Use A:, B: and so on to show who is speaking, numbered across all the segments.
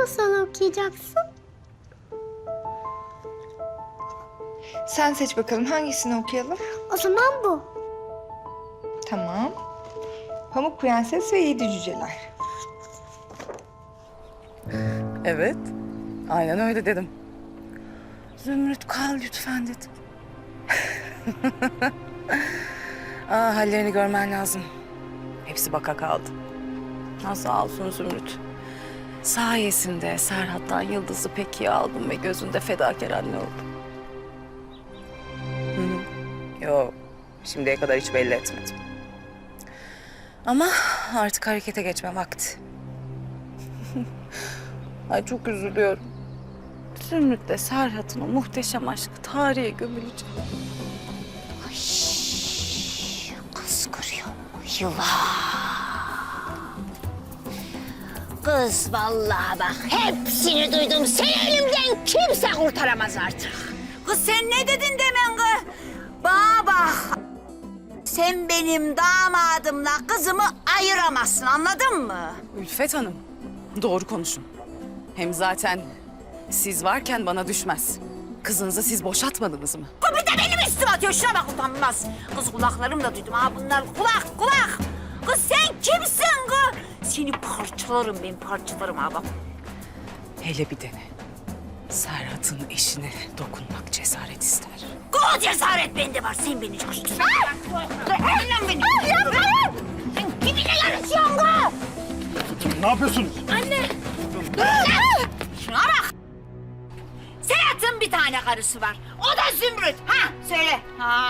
A: masal okuyacaksın?
B: Sen seç bakalım hangisini okuyalım?
A: O zaman bu.
B: Tamam. Pamuk Prenses ve Yedi Cüceler.
C: Evet. Aynen öyle dedim. Zümrüt kal lütfen dedim. Hallerini görmen lazım. Hepsi baka kaldı. Sağ olsun Zümrüt. Sayesinde Serhat'tan Yıldız'ı pek iyi aldım ve gözünde fedakar anne oldum. Yok, şimdiye kadar hiç belli etmedim. Ama artık harekete geçme vakti. Ay çok üzülüyorum. Zümrüt'le Serhat'ın o muhteşem aşkı tarihe gömülecek.
D: Kız görüyor mu? Yılan. Kız vallahi bak hepsini duydum. Seni elimden kimse kurtaramaz artık. Kız sen ne dedin demen kız? Bana bak. Sen benim damadımla kızımı ayıramazsın anladın mı?
C: Ülfet Hanım, doğru konuşun. Hem zaten siz varken bana düşmez. Kızınızı siz boşatmadınız mı?
D: Bir de benim üstüme atıyor. Şuna bak utanmaz. Kız kulaklarımla duydum ha bunlar kulak. Kız sen kimsin kız? Seni parçalarım ben parçalarım ha bak.
C: Hele bir dene. Serhat'ın eşine dokunmak cesaret ister.
D: O cesaret bende var. Sen beni coştun. Lan beni. Sen kiminle yarışıyorsun kız?
E: Ne yapıyorsunuz?
D: Şuna bak. Serhat'ın bir tane karısı var. O da Zümrüt. Ha söyle. Ha.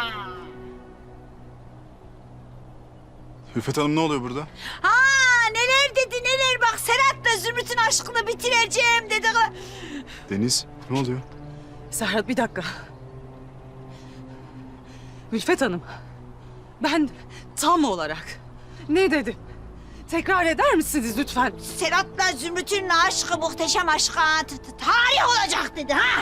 E: Ülfet Hanım ne oluyor burada?
D: Ha neler dedi neler bak Serhat'la Zümrüt'ün aşkını bitireceğim dedi.
E: Deniz ne oluyor?
C: Serhat bir dakika. Ülfet Hanım, ben tam olarak ne dedim? Tekrar eder misiniz lütfen?
D: Serhat'la Zümrüt'ün aşkı muhteşem aşkı tarih olacak dedi ha.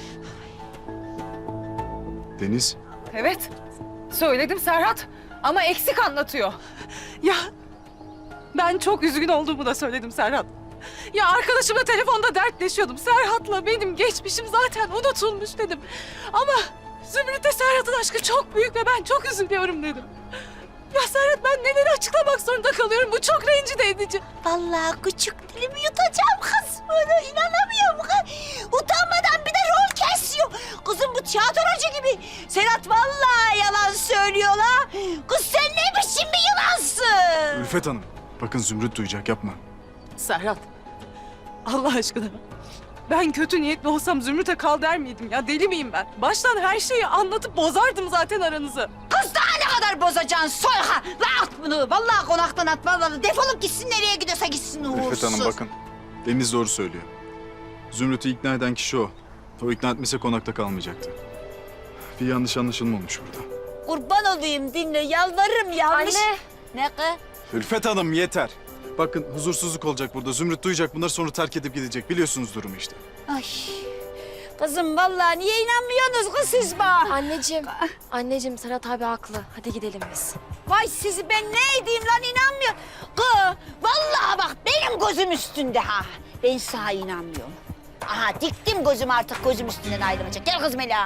E: Deniz
C: Evet, söyledim Serhat ama eksik anlatıyor. Ya ben çok üzgün olduğumu da söyledim Serhat. Ya arkadaşımla telefonda dertleşiyordum. Serhat'la benim geçmişim zaten unutulmuş dedim. Ama Zümrüt'le Serhat'ın aşkı çok büyük ve ben çok üzülüyorum dedim. Ya Serhat ben neleri açıklamak zorunda kalıyorum. Bu çok rencide edici.
D: Vallahi küçük dilimi yutacağım kız. Böyle inanamıyorum kız. Utanmadan bir de rol kesiyor. Kızım bu tiyatrocu gibi. Serhat vallahi yalan söylüyor la. Kız sen ne biçim bir yılansın?
E: Ülfet Hanım bakın Zümrüt duyacak yapma.
C: Serhat, Allah aşkına. Ben kötü niyetli olsam Zümrüt'e kal der miydim ya? Deli miyim ben? Baştan her şeyi anlatıp bozardım zaten aranızı.
D: Kız daha ne kadar bozacaksın soyha. La at bunu. Vallahi konaktan at vallahi. Defolup gitsin nereye gidiyorsa gitsin uğursuz.
E: Ülfet Hanım bakın Deniz doğru söylüyor. Zümrüt'ü ikna eden kişi o. O ikna etmese konakta kalmayacaktı. Bir yanlış anlaşılma olmuş burada.
D: Kurban olayım dinle yalvarırım yanlış.
A: Anne.
D: Ne kız?
E: Ülfet Hanım yeter. Bakın huzursuzluk olacak burada. Zümrüt duyacak bunları sonra terk edip gidecek. Biliyorsunuz durumu işte.
D: Ay. Kızım vallahi niye inanmıyorsunuz kız siz bana?
F: Anneciğim Serhat abi haklı. Hadi gidelim biz.
D: Vay sizi ben ne edeyim lan inanmıyor. Kız vallahi bak benim gözüm üstünde ha. Ben sana inanmıyorum. Aha diktim gözüm artık gözüm üstünden ayrılmayacak. Gel kız Mela.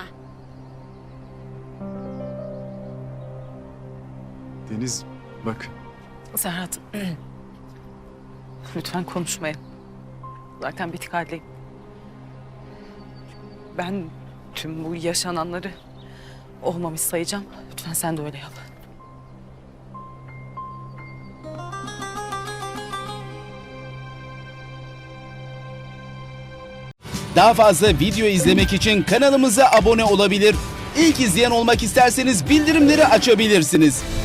E: Deniz bak
C: Serhat, lütfen konuşmayın. Zaten bitik haldeyim. Ben tüm bu yaşananları olmamış sayacağım. Lütfen sen de öyle yap.
G: Daha fazla video izlemek için kanalımıza abone olabilir. İlk izleyen olmak isterseniz bildirimleri açabilirsiniz.